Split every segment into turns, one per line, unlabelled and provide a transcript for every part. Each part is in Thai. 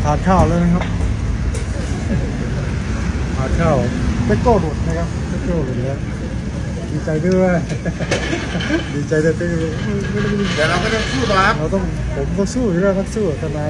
ทานข้าวแล้วนะครับทานข้าวเบโก้หลุดนะครับเบโก้หลุดแล้วดีใจด้วยดีใจด้วยที่
เดี๋ยวเราก็ต้องสู้ต่อครับ
เราต้องผมก็สู้อยู่แล้วครับสู้ทนาย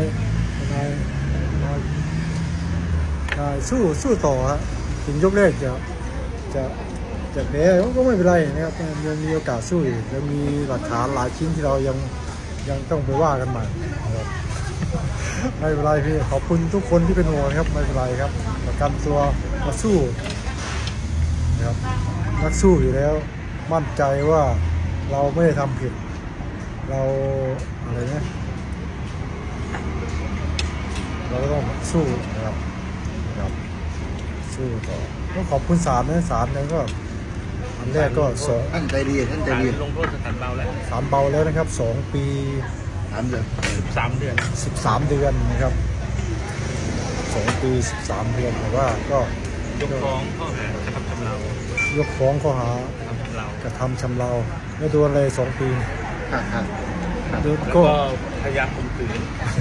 สู้ต่อฮะถึงยกแรกจะแพ้ก็ไม่เป็นไรนะครับยังมีโอกาสสู้อีกยังมีหลักฐานหลายชิ้นที่เรายังต้องไปว่ากันใหม่นะครับไม่เป็นไรพี่ขอบคุณทุกคนที่เป็นห่วงครับไม่เป็นไรครับประกันตัวมาสู้นะครับนักสู้อยู่แล้วมั่นใจว่าเราไม่ได้ทำผิดเราอะไรเนี่ยเราก็ต้องสู้นะครับสู้ต่อต้องขอบคุณศาลนะศาลเนี่ยก็อันแรกก็
ท่านใจดีท่านใจดี
ลงโทษสถานเบาแล้ว
ศาลเบาแล้วนะครับ2 ปี
3 เดือน
13 เดือน
13 เดือนนะครับ2 ปี 13 เดือนแต่ว่าก็
ยกฟ้องข้อหากระทำชำเรา
ยกฟ้องข้อหาก
ระทำชำเรา
ไม่โดนเลย2 ปี
ครับ
แล้วก็พยายามข่มขืน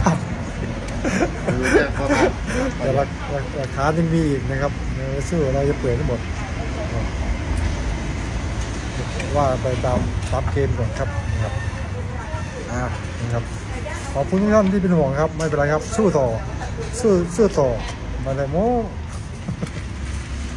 แต่หลักฐานยังมีอีกนะครับสู้เราจะเปิดทั้งหมดว่าไปตามเกณฑ์ก่อนครับนะครับขอบคุณทุกท่านที่เป็นห่วงครับไม่เป็นไรครับสู้ต่อสู้ต่อมาเลยโม